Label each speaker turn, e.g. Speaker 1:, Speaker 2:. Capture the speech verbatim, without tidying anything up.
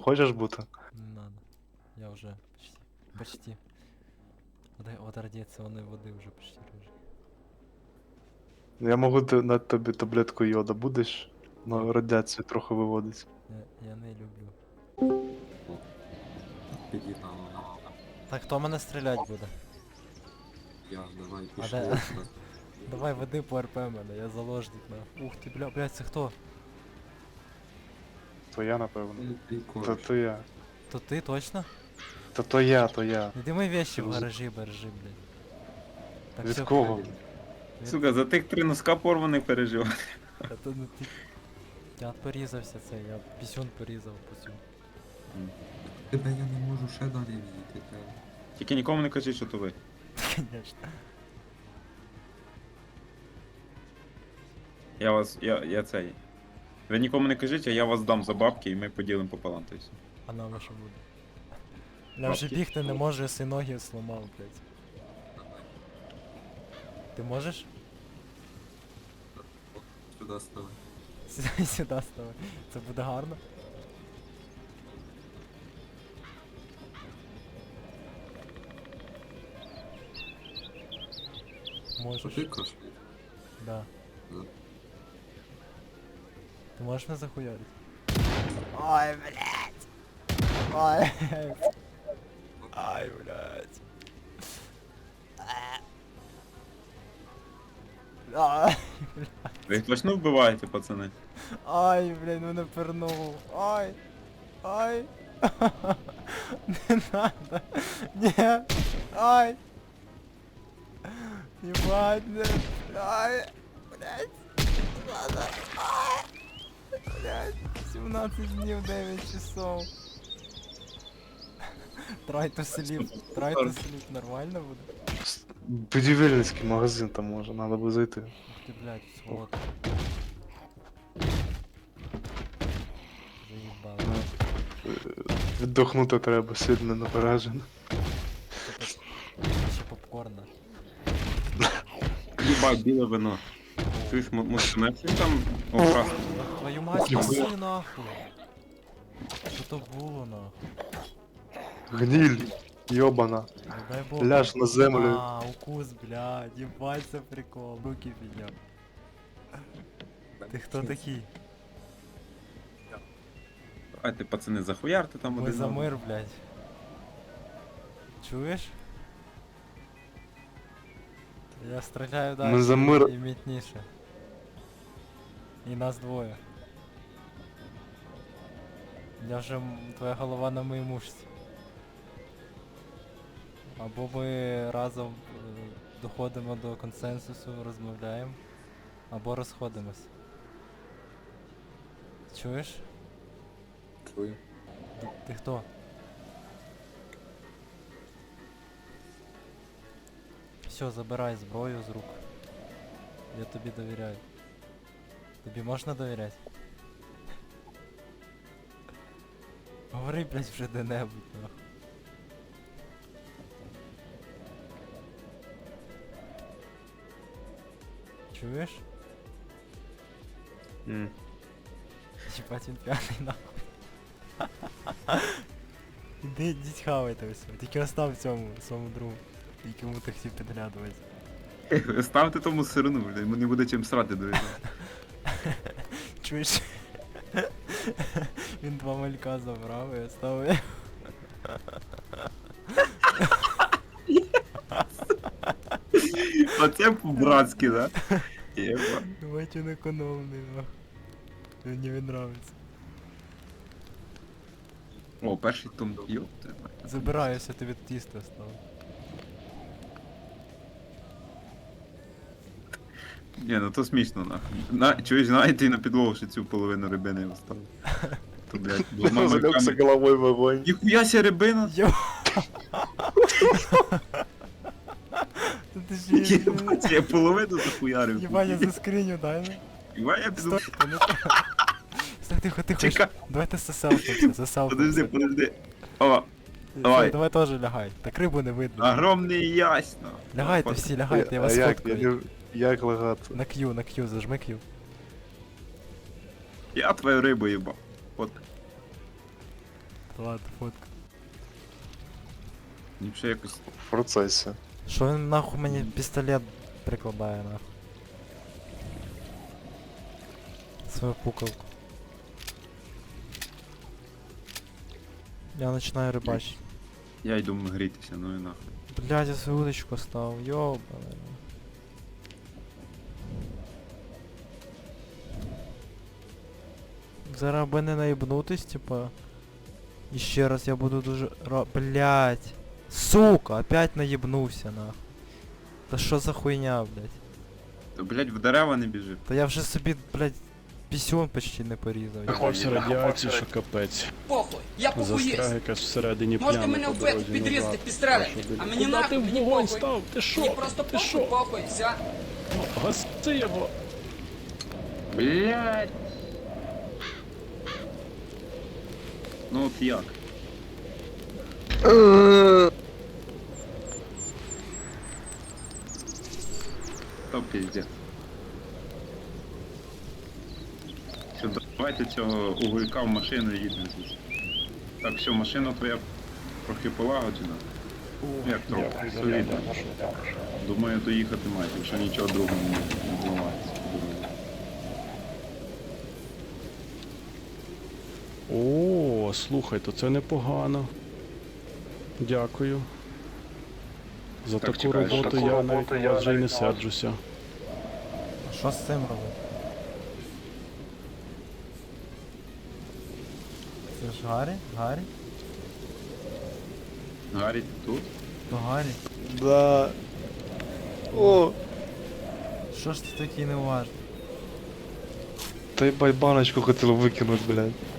Speaker 1: хочеш бути?
Speaker 2: Не надо. Я уже почти. Почти. От, от радиационной воды уже почти рыжий.
Speaker 1: Я можу ти- на тобі таблетку йода будеш?
Speaker 2: Ні.
Speaker 1: На радіацію трохи виводить.
Speaker 2: Я, я не люблю.
Speaker 3: Під'їхав.
Speaker 2: Так, хто мене стрілять буде?
Speaker 3: Я, давай,
Speaker 2: А
Speaker 3: пішли.
Speaker 2: де- Давай веди по РП мене, я заложник на. Ух ти, бля, блядь, це хто?
Speaker 1: То я, напевно.
Speaker 3: Ну, ти
Speaker 1: То
Speaker 3: коротше.
Speaker 1: то я.
Speaker 2: То ти точно?
Speaker 1: То то я, то я.
Speaker 2: Іди мої вещи в
Speaker 1: З-
Speaker 2: гаражі бережи, блядь. Так,
Speaker 1: Від
Speaker 2: всё,
Speaker 1: кого?
Speaker 2: Від-
Speaker 4: Сука, за тих три носка порваних переживати.
Speaker 2: Та то не ти. Я порізався це, я пісюн порізав по цьому.
Speaker 3: Тебе я не можу ще далі відійти. Треба.
Speaker 4: Тільки нікому не кажіть, що то ви.
Speaker 2: Конечно.
Speaker 4: Я вас, я, я цей. Ви нікому не кажіть, а я вас дам за бабки і ми поділимо пополам, то есть.
Speaker 2: А нам що буде? Я вже
Speaker 4: Бабки.
Speaker 2: бігти не можу, я си ноги сломав, блядь. Ти можеш?
Speaker 3: Сюди ставай.
Speaker 2: Сюди сюди ставай. Це буде гарно. Можеш.
Speaker 3: Потикаш?
Speaker 2: Да.
Speaker 3: Да.
Speaker 2: Ти можеш мене захуярити? Ой, блядь! Ой, ай, блядь. Ай,
Speaker 4: Ви їх точно вбиваєте, пацани?
Speaker 2: ай, блядь, мене пернув. Ай, ай. Не надо. Нет. Ай. Ебать, не. Ай. Блядь. Не надо. Ай. Блядь. сімнадцять днів, дев'ять часов. Try to sleep. Try to sleep. Нормально буде?
Speaker 1: Будівельницький магазин там може, треба би зайти.
Speaker 2: Ух ти, блядь, сволота. Заїбало.
Speaker 1: Віддохнути треба, сильно напережено.
Speaker 2: Ще попкорна.
Speaker 4: Їбать, біле вино. Чуєш, м- мусимо там окрас.
Speaker 2: Твою мать,
Speaker 1: Ніхуя.
Speaker 2: паси нахуй. Що то було нахуй?
Speaker 1: Гніль, йобана.
Speaker 2: Не дай бог.
Speaker 1: Ляж на землю.
Speaker 2: А, укус, блядь, ебать, це прикол. Руки підняв. Ти хто такий?
Speaker 4: Давайте, пацани, захуярте там
Speaker 2: Ми
Speaker 4: один.
Speaker 2: за
Speaker 4: одного.
Speaker 2: мир, блядь. Чуєш? Я стріляю далі
Speaker 1: Ми за мир.
Speaker 2: і мітніше. І нас двоє. Я вже м- твоя голова на моїй мушці. Або ми разом е, доходимо до консенсусу, розмовляємо, або розходимось. Чуєш?
Speaker 3: Чую.
Speaker 2: Д- Ти хто? Все, забирай зброю з рук. Я тобі довіряю. Тобі можна довіряти? Говори, блядь, вже де-небудь, нахуй. Чуєш?
Speaker 4: М.
Speaker 2: Ебать, він п'яний, нахуй. Іди, ідіть хавайте все. Тільки остав цьому, своєму другу, якому ти хотів підглядувати.
Speaker 4: Ставте тому сирну, блядь, йому не буде чим срати до цього.
Speaker 2: Чуєш? Він два малька забрав і оставив.
Speaker 4: Оце по-братськи, да? Єба.
Speaker 2: Ебать, він економний, нахуй. Мені він нравиться.
Speaker 4: О, перший том, йоп, ти.
Speaker 2: Забираюся, тобі тісто стало.
Speaker 4: Ні, ну то смішно, нахуй. На, чуєш, знаєте, і на підлогу ще цю половину рибини оставив. То, блядь, двома
Speaker 1: Залегся
Speaker 4: руками.
Speaker 1: головою в вогонь.
Speaker 4: Ніхуя ся рибина!
Speaker 2: Йо! Та ти ж є-
Speaker 4: Єбать, я половину захуярив.
Speaker 2: Єбать, я заскриню, дай ну.
Speaker 4: Єбать, я піду.
Speaker 2: Стой, та не так. Стой, тихо, тихо.
Speaker 4: Чекай.
Speaker 2: Давайте заселфимся, заселфимся.
Speaker 4: Подожди, подожди. О,
Speaker 2: Все,
Speaker 4: давай.
Speaker 2: давай теж лягай. Так рибу не видно.
Speaker 4: огромний ясно.
Speaker 2: Лягайте всі, лягайте, я
Speaker 1: А
Speaker 2: вас
Speaker 1: як, я
Speaker 2: фоткаю.
Speaker 1: не... як лагати?
Speaker 2: На Q, на Q, зажми Q.
Speaker 4: Я твою рибу їбав. От.
Speaker 2: Ладно, фотка.
Speaker 4: Мені б ще якось.
Speaker 1: В процесі.
Speaker 2: Що він нахуй мені пістолет прикладає нахуй? Свою пукалку. Я починаю рибачити.
Speaker 4: Я йду грітися, ну і нахуй.
Speaker 2: Блядь, я свою удочку став, ёбаный. Зараз аби не наїбнутись, типа. І ще раз я буду дуже ра... Блядь. Сука, опять наїбнувся, нахуй. Та що за хуйня, блядь?
Speaker 4: То, блядь, в дерева не біжи.
Speaker 2: Та я вже собі, блядь, пісюн почти не порізав.
Speaker 5: Заховався радіації, що капець.
Speaker 6: Похуй, я похуєст.
Speaker 5: Застряг якась всередині
Speaker 6: Можете
Speaker 5: плями
Speaker 6: мене
Speaker 5: по
Speaker 6: в пет
Speaker 5: дорозі
Speaker 6: підрізати
Speaker 5: назад.
Speaker 6: пістолетом,
Speaker 5: Що,
Speaker 6: а
Speaker 5: блядь?
Speaker 6: мені
Speaker 5: Куда
Speaker 6: нахуй,
Speaker 5: ти в
Speaker 6: мені
Speaker 5: вогонь
Speaker 6: похуй.
Speaker 5: став? Ти що?
Speaker 6: Мені просто
Speaker 5: Ти
Speaker 6: похуй,
Speaker 5: що?
Speaker 6: похуй, все.
Speaker 5: Гаси його!
Speaker 4: Блядь! Ну от як? Та пиздец. Все, давайте цього уголька в машину і їдемо звідси. Так, все, машина твоя трохи полагоджена. Як трохи?
Speaker 5: Дякую за
Speaker 4: Солідно.
Speaker 5: рядом.
Speaker 4: Думаю, доїхати маєте, якщо нічого другого не не зламається.
Speaker 5: О, слухай, то це непогано. Дякую. За
Speaker 4: Так,
Speaker 5: таку
Speaker 4: чекай, за
Speaker 5: роботу
Speaker 1: таку
Speaker 5: я
Speaker 1: роботу
Speaker 5: навіть
Speaker 1: я
Speaker 5: на вас вже й не
Speaker 1: навіть на вас-
Speaker 5: серджуся.
Speaker 2: А що з цим робити? Це ж Гаррі? Гаррі?
Speaker 4: Гаррі, ти тут?
Speaker 2: То Гаррі?
Speaker 1: Да. О,
Speaker 2: Що ж ти такий неуважний?
Speaker 1: та й баночку хотів викинути, блядь.